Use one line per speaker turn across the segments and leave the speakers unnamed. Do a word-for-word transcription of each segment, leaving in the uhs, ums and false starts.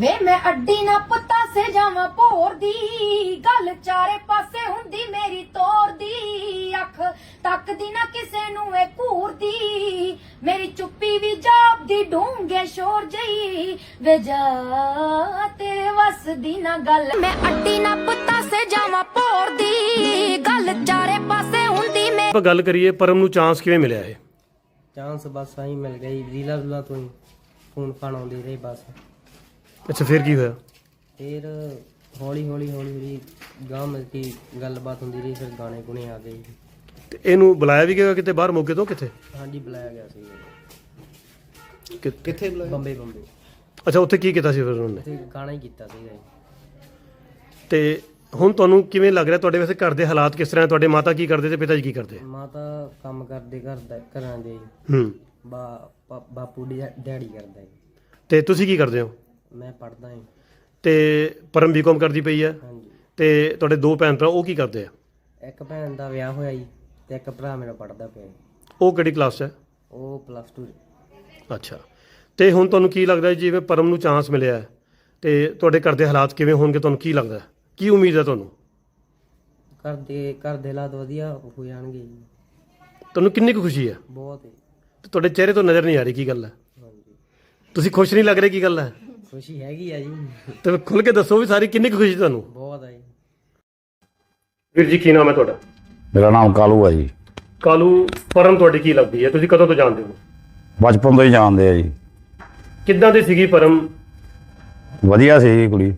ਵੇ मैं अड्डी ना पता से जावा भोर दी गल चारे पासे हुंदी मेरी तोर दी अख तकदी ना किसे नू ए घूर दी मेरी चुप्पी भी जापदी ढूंगे शोर जई वे जा तेरे वस दी ना गल मैं अड्डी ना पता से जावा भोर दी गल चारे पासे हुंदी मेरी।
ਆਪਾਂ ਗੱਲ ਕਰੀਏ ਪਰਮ ਨੂੰ ਚਾਂਸ ਕਿਵੇਂ ਮਿਲਿਆ ਹੈ?
ਚਾਂਸ ਬਸ ਆਈ ਮਿਲ ਗਈ ਰੀਲਾ ਰੂਲਾ ਤੋਂ ਹੀ ਫੋਨ ਫਾਨ ਆਉਂਦੇ ਰਹੇ ਬਸ।
ਅੱਛਾ ਫਿਰ ਕੀ ਹੋਇਆ?
ਫਿਰ ਹੌਲੀ ਹੌਲੀ ਹੌਲੀ ਹੌਲੀ ਗਾਂ ਮਿਲ ਕੇ ਗੱਲਬਾਤ ਹੁੰਦੀ ਰਹੀ, ਫਿਰ ਗਾਣੇ ਗੁਣੇ ਆ ਗਏ।
ਤੇ ਇਹਨੂੰ ਬੁਲਾਇਆ ਵੀ ਗਿਆ ਕਿਤੇ ਬਾਹਰ ਮੌਕੇ ਤੋਂ? ਕਿੱਥੇ?
ਹਾਂਜੀ ਬੁਲਾਇਆ ਗਿਆ ਸੀ।
ਕਿ- ਕਿੱਥੇ ਬੁਲਾਇਆ?
ਬੰਬੇ ਬੰਬੇ
ਅੱਛਾ ਉੱਥੇ ਕੀ ਕੀਤਾ ਸੀ ਫਿਰ ਉਹਨੇ?
ਤੇ ਗਾਣਾ ਹੀ ਕੀਤਾ ਸੀਗਾ ਜੀ।
ਤੇ ਹੁਣ ਤੁਹਾਨੂੰ ਕਿਵੇਂ ਲੱਗ ਰਿਹਾ ਤੁਹਾਡੇ ਵੈਸੇ ਘਰ ਦੇ ਹਾਲਾਤ ਕਿਸ ਤਰ੍ਹਾਂ? ਤੁਹਾਡੇ ਮਾਤਾ ਕੀ ਕਰਦੇ ਤੇ ਪਿਤਾ ਜੀ ਕੀ ਕਰਦੇ?
ਮਾਤਾ ਕੰਮ ਕਰਦੇ ਘਰ ਦਾ ਘਰਾਂ ਦੇ,
ਹੂੰ।
ਬਾ ਪਾ- ਬਾਪੂ ਡੈ- ਡੈਡੀ ਕਰਦਾ ਜੀ।
ਤੇ ਤੁਸੀਂ ਕੀ ਕਰਦੇ ਹੋ?
ਮੈਂ ਪੜ੍ਹਦਾ ਹਾਂ।
ਤੇ ਪਰਮ ਬੀਕਾਮ ਕਰਦੀ ਪਈ ਹੈ
ਹਾਂਜੀ।
ਤੇ ਤੁਹਾਡੇ ਦੋ ਭੈਣ ਭਰਾ ਉਹ ਕੀ ਕਰਦੇ ਆ?
ਇੱਕ ਭੈਣ ਦਾ ਵਿਆਹ ਹੋਇਆ ਜੀ ਤੇ ਇੱਕ ਭਰਾ ਮੇਰਾ ਪੜ੍ਹਦਾ ਪਿਆ ਜੀ।
ਉਹ ਕਿਹੜੀ ਕਲਾਸ 'ਚ ਹੈ?
ਉਹ ਪਲੱਸ ਟੂ।
ਅੱਛਾ। ਤੇ ਹੁਣ ਤੁਹਾਨੂੰ ਕੀ ਲੱਗਦਾ ਹੈ ਜਿਵੇਂ ਪਰਮ ਨੂੰ ਚਾਂਸ ਮਿਲਿਆ ਹੈ ਤੇ ਤੁਹਾਡੇ ਘਰ ਦੇ ਹਾਲਾਤ ਕਿਵੇਂ ਹੋਣਗੇ? ਤੁਹਾਨੂੰ ਕੀ ਲੱਗਦਾ ਹੈ? ਕੀ ਉਮੀਦ ਹੈ ਤੁਹਾਨੂੰ?
ਘਰ ਦੇ ਘਰ ਦੇ ਹਾਲਾਤ ਵਧੀਆ ਹੋ ਜਾਣਗੇ ਜੀ।
ਤੁਹਾਨੂੰ ਕਿੰਨੀ ਕੁ ਖੁਸ਼ੀ ਹੈ?
ਬਹੁਤ ਹੈ।
ਤੇ ਤੁਹਾਡੇ ਚਿਹਰੇ ਤੋਂ ਨਜ਼ਰ ਨਹੀਂ ਆ ਰਹੀ, ਕੀ ਗੱਲ ਹੈ?
ਹਾਂਜੀ
ਤੁਸੀਂ ਖੁਸ਼ ਨਹੀਂ ਲੱਗ ਰਹੇ, ਕੀ ਗੱਲ ਹੈ?
ਖੁਸ਼ੀ ਹੈਗੀ ਆ ਜੀ,
ਤੇ ਖੁੱਲ ਕੇ ਦੱਸੋ ਵੀ ਸਾਰੀ ਕਿੰਨੀ ਕੁ ਖੁਸ਼ੀ ਤੁਹਾਨੂੰ?
ਬਹੁਤ ਆ ਜੀ।
ਵੀਰ ਜੀ ਕੀ ਨਾਮ ਹੈ ਤੁਹਾਡਾ?
ਮੇਰਾ ਨਾਮ ਕਾਲੂ ਆ ਜੀ।
ਕਾਲੂ, ਪਰਮ ਤੁਹਾਡੀ ਕੀ ਲੱਗਦੀ ਹੈ? ਤੁਸੀਂ ਕਦੋਂ ਤੋਂ ਜਾਣਦੇ ਹੋ?
ਬਚਪਨ ਤੋਂ ਹੀ ਜਾਣਦੇ ਆ ਜੀ।
ਕਿੱਦਾਂ ਦੀ ਸੀਗੀ ਪਰਮ?
ਵਧੀਆ ਸੀ ਜੀ ਕੁੜੀ,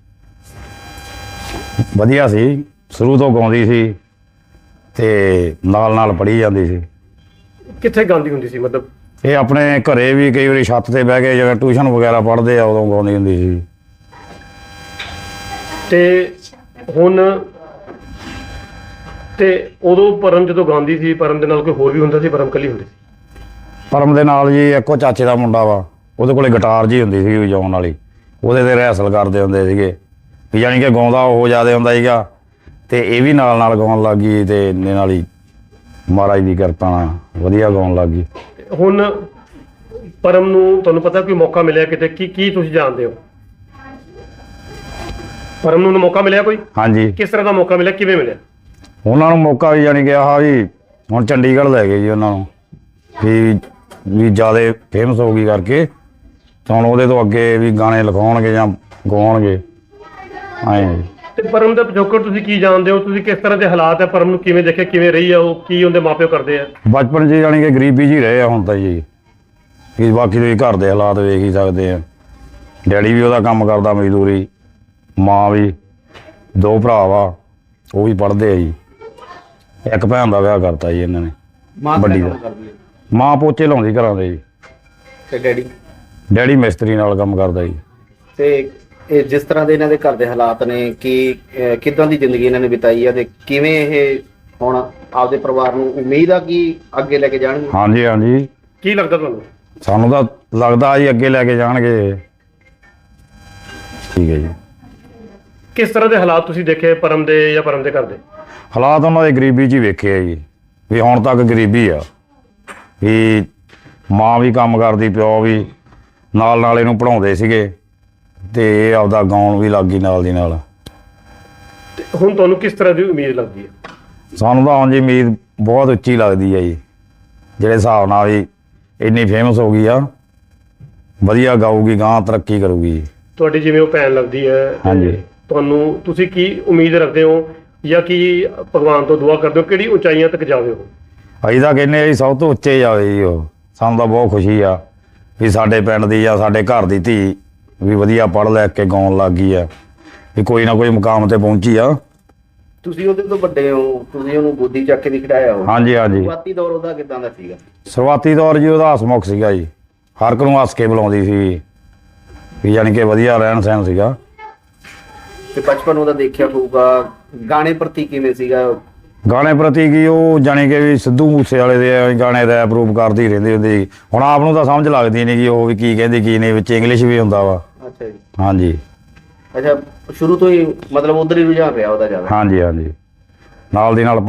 ਵਧੀਆ ਸੀ, ਸ਼ੁਰੂ ਤੋਂ ਗਾਉਂਦੀ ਸੀ ਤੇ ਨਾਲ ਨਾਲ ਪੜ੍ਹੀ ਜਾਂਦੀ ਸੀ।
ਕਿੱਥੇ ਗਾਉਂਦੀ ਹੁੰਦੀ ਸੀ ਮਤਲਬ?
ਇਹ ਆਪਣੇ ਘਰੇ ਵੀ ਕਈ ਵਾਰੀ ਛੱਤ ਤੇ ਬਹਿ ਕੇ ਜਿਵੇਂ ਟਿਊਸ਼ਨ ਵਗੈਰਾ ਪੜ੍ਹਦੇ ਆ ਉਦੋਂ ਗਾਉਂਦੀ ਹੁੰਦੀ ਸੀ।
ਤੇ ਹੁਣ ਤੇ ਉਦੋਂ ਪਰਮ ਜਦੋਂ ਗਾਉਂਦੀ ਸੀ ਪਰਮ ਦੇ ਨਾਲ ਕੋਈ ਹੋਰ ਵੀ ਹੁੰਦਾ ਸੀ? ਪਰਮ ਇਕੱਲੀ ਹੁੰਦੀ ਸੀ?
ਪਰਮ ਦੇ ਨਾਲ ਜੀ ਇੱਕੋ ਚਾਚੇ ਦਾ ਮੁੰਡਾ ਵਾ, ਉਹਦੇ ਕੋਲੇ ਗਿਟਾਰ ਜੀ ਹੁੰਦੀ ਸੀ ਵਜਾਉਣ ਵਾਲੀ, ਉਹਦੇ ਤੇ ਰਿਹਰਸਲ ਕਰਦੇ ਹੁੰਦੇ ਸੀਗੇ ਵੀ ਯਾਨੀ ਕਿ ਗਾਉਂਦਾ ਉਹ ਜ਼ਿਆਦਾ ਹੁੰਦਾ ਸੀਗਾ ਤੇ ਇਹ ਵੀ ਨਾਲ ਨਾਲ ਗਾਉਣ ਲੱਗ ਗਈ ਤੇ ਇਹਨੇ ਨਾਲ ਹੀ ਮਹਾਰਾਜ ਦੀ ਕਿਰਪਾ ਨਾਲ ਵਧੀਆ ਗਾਉਣ ਲੱਗ ਗਈ।
ਹੁਣ ਪਰਮ ਨੂੰ ਤੁਹਾਨੂੰ ਪਤਾ ਕੋਈ ਮੌਕਾ ਮਿਲਿਆ ਕਿਤੇ? ਕੀ ਕੀ ਤੁਸੀਂ ਜਾਣਦੇ ਹੋ? ਪਰਮ ਨੂੰ ਮੌਕਾ ਮਿਲਿਆ ਕੋਈ?
ਹਾਂਜੀ,
ਕਿਸ ਤਰ੍ਹਾਂ ਦਾ ਮੌਕਾ ਮਿਲਿਆ, ਕਿਵੇਂ ਮਿਲਿਆ?
ਉਹਨਾਂ ਨੂੰ ਮੌਕਾ ਵੀ ਯਾਨੀ ਕਿ ਆਹ ਵੀ ਹੁਣ ਚੰਡੀਗੜ੍ਹ ਲੈ ਗਏ ਜੀ ਉਹਨਾਂ ਨੂੰ ਵੀ ਵੀ ਜ਼ਿਆਦਾ ਫੇਮਸ ਹੋ ਗਈ ਕਰਕੇ ਤਾਂ ਹੁਣ ਉਹਦੇ ਤੋਂ ਅੱਗੇ ਵੀ ਗਾਣੇ ਲਿਖਾਉਣਗੇ ਜਾਂ ਗਾਉਣਗੇ ਐਂ।
ਤੇ ਪਰਮ ਦਾ ਪਿਛੋਕੜ ਤੁਸੀਂ ਕੀ ਜਾਣਦੇ ਹੋ? ਤੁਸੀਂ ਕਿਸ ਤਰ੍ਹਾਂ ਦੇ ਹਾਲਾਤ ਹੈ ਪਰਮ ਨੂੰ ਕਿਵੇਂ ਦੇਖਿਆ, ਕਿਵੇਂ ਰਹੀ ਆ ਉਹ, ਕੀ ਉਹਦੇ ਮਾਪਿਓ ਕਰਦੇ ਆ?
ਬਚਪਨ 'ਚ ਯਾਨੀ ਕਿ ਗਰੀਬੀ 'ਚ ਹੀ ਰਹੇ ਆ ਹੁਣ ਤਾਂ ਜੀ। ਕਿ ਬਾਕੀ ਤੁਸੀਂ ਘਰ ਦੇ ਹਾਲਾਤ ਵੇਖ ਹੀ ਸਕਦੇ ਆ। ਡੈਡੀ ਵੀ ਉਹਦਾ ਕੰਮ ਕਰਦਾ ਮਜ਼ਦੂਰੀ, ਮਾਂ ਵੀ, ਦੋ ਭਰਾ ਵਾ ਉਹ ਵੀ ਪੜ੍ਹਦੇ ਆ ਜੀ। ਇੱਕ ਭੈਣ ਦਾ ਵਿਆਹ ਕਰਤਾ ਜੀ ਇਹਨਾਂ ਨੇ, ਵੱਡੀ ਦਾ। ਮਾਂ ਪੋਚੇ ਲਾਉਂਦੀ ਘਰਾਂ ਦੇ ਜੀ
ਤੇ ਡੈਡੀ
ਡੈਡੀ ਮਿਸਤਰੀ ਨਾਲ ਕੰਮ ਕਰਦਾ ਜੀ।
ਤੇ ਇਹ ਜਿਸ ਤਰ੍ਹਾਂ ਦੇ ਇਹਨਾਂ ਦੇ ਘਰ ਦੇ ਹਾਲਾਤ ਨੇ ਕਿ ਅਹ ਕਿੱਦਾਂ ਦੀ ਜ਼ਿੰਦਗੀ ਇਹਨਾਂ ਨੇ ਬਿਤਾਈ ਆ ਤੇ ਕਿਵੇਂ ਇਹ ਹੁਣ ਆਪਦੇ ਪਰਿਵਾਰ ਨੂੰ ਉਮੀਦ ਆ ਕਿ ਅੱਗੇ ਲੈ ਕੇ ਜਾਣਗੇ?
ਹਾਂਜੀ ਹਾਂਜੀ,
ਕੀ ਲੱਗਦਾ ਤੁਹਾਨੂੰ?
ਸਾਨੂੰ ਤਾਂ ਲੱਗਦਾ ਜੀ ਅੱਗੇ ਲੈ ਕੇ ਜਾਣਗੇ। ਠੀਕ ਹੈ ਜੀ।
ਕਿਸ ਤਰ੍ਹਾਂ ਦੇ ਹਾਲਾਤ ਤੁਸੀਂ ਦੇਖੇ ਪਰਮ ਦੇ ਜਾਂ ਪਰਮ ਦੇ ਘਰ ਦੇ?
ਹਾਲਾਤ ਉਹਨਾਂ ਦੇ ਗਰੀਬੀ 'ਚ ਹੀ ਵੇਖੇ ਆ ਜੀ ਵੀ ਹੁਣ ਤੱਕ ਗਰੀਬੀ ਆ ਵੀ ਮਾਂ ਵੀ ਕੰਮ ਕਰਦੀ, ਪਿਓ ਵੀ ਨਾਲ ਨਾਲ ਇਹਨੂੰ ਪੜ੍ਹਾਉਂਦੇ ਸੀਗੇ ਤੇ ਇਹ ਆਪਦਾ ਗਾਉਣ ਵੀ ਲੱਗ ਗਈ ਨਾਲ ਦੀ ਨਾਲ।
ਤੇ ਹੁਣ ਤੁਹਾਨੂੰ ਕਿਸ ਤਰ੍ਹਾਂ ਦੀ ਉਮੀਦ ਲੱਗਦੀ ਹੈ?
ਸਾਨੂੰ ਤਾਂ ਹੁਣ ਜੀ ਉਮੀਦ ਬਹੁਤ ਉੱਚੀ ਲੱਗਦੀ ਹੈ ਜੀ, ਜਿਹੜੇ ਹਿਸਾਬ ਨਾਲ ਵੀ ਇੰਨੀ ਫੇਮਸ ਹੋ ਗਈ ਆ, ਵਧੀਆ ਗਾਊਗੀ, ਗਾਂ ਤਰੱਕੀ ਕਰੂਗੀ।
ਤੁਹਾਡੀ ਜਿਵੇਂ ਉਹ ਭੈਣ ਲੱਗਦੀ ਹੈ,
ਹਾਂਜੀ।
ਤੁਹਾਨੂੰ ਤੁਸੀਂ ਕੀ ਉਮੀਦ ਰੱਖਦੇ ਹੋ ਜਾਂ ਕੀ ਭਗਵਾਨ ਤੋਂ ਦੁਆ ਕਰਦੇ ਹੋ ਕਿਹੜੀ ਉਚਾਈਆਂ ਤੱਕ ਜਾਵੇ ਉਹ?
ਅਸੀਂ ਤਾਂ ਕਹਿੰਦੇ ਆ ਜੀ ਸਭ ਤੋਂ ਉੱਚੇ ਜਾਵੇ ਜੀ ਉਹ। ਸਾਨੂੰ ਤਾਂ ਬਹੁਤ ਖੁਸ਼ੀ ਆ ਵੀ ਸਾਡੇ ਪਿੰਡ ਦੀ ਜਾਂ ਸਾਡੇ ਘਰ ਦੀ ਧੀ ਵੀ ਵਧੀਆ ਪੜ੍ਹ ਲੈ ਕੇ ਗਾਉਣ ਲੱਗ ਗਈ ਆ, ਵੀ ਕੋਈ ਨਾ ਕੋਈ ਮੁਕਾਮ ਤੇ ਪਹੁੰਚੀ ਆ।
ਤੁਸੀਂ ਉਹਦੇ ਤੋਂ ਵੱਡੇ ਹੋ, ਤੁਸੀਂ ਉਹਨੂੰ ਗੋਦੀ ਚੱਕ ਕੇ ਵੀ ਖਿਡਾਇਆ ਹੋ।
ਹਾਂਜੀ ਹਾਂਜੀ।
ਸ਼ੁਰੂਆਤੀ ਦੌਰ ਉਹਦਾ ਕਿੱਦਾਂ ਦਾ ਸੀਗਾ?
ਸ਼ੁਰੂਆਤੀ ਦੌਰ ਜੀ ਉਹਦਾ ਹਸਮੁਖ ਸੀਗਾ ਜੀ, ਹਰ ਇੱਕ ਨੂੰ ਹੱਸ ਕੇ ਬੁਲਾਉਂਦੀ ਸੀ ਵੀ ਯਾਨੀ ਕਿ ਵਧੀਆ ਰਹਿਣ ਸਹਿਣ ਸੀਗਾ।
ਤੇ ਬਚਪਨ ਉਹਦਾ ਦੇਖਿਆ ਹੋਊਗਾ, ਗਾਣੇ ਪ੍ਰਤੀ ਕਿਵੇਂ ਸੀਗਾ?
ਗਾਣੇ ਪ੍ਰਤੀ ਕੀ ਉਹ ਜਾਣੀ ਕਿ ਵੀ ਸਿੱਧੂ ਮੂਸੇ ਵਾਲੇ ਦੇ ਗਾਣੇ ਰੈਪ ਰੂਪ ਕਰਦੀ ਰਹਿੰਦੀ ਹੁੰਦੀ ਸੀ। ਹੁਣ ਆਪ ਨੂੰ ਤਾਂ ਸਮਝ ਲੱਗਦੀ ਨਹੀਂ ਕਿ ਉਹ ਵੀ ਕੀ ਕਹਿੰਦੀ ਕੀ ਨਹੀਂ, ਵਿੱਚ ਇੰਗਲਿਸ਼ ਵੀ ਹੁੰਦਾ ਵਾ।
ਅੱਛਾ ਜੀ।
ਹਾਂਜੀ।
ਅੱਛਾ, ਸ਼ੁਰੂ ਤੋਂ ਹੀ ਮਤਲਬ ਉਧਰ ਹੀ ਰੁਝਾਨ ਰਿਹਾ ਉਹਦਾ ਜ਼ਿਆਦਾ?
ਹਾਂਜੀ ਹਾਂਜੀ, ਨਾਲ ਦੀ ਨਾਲ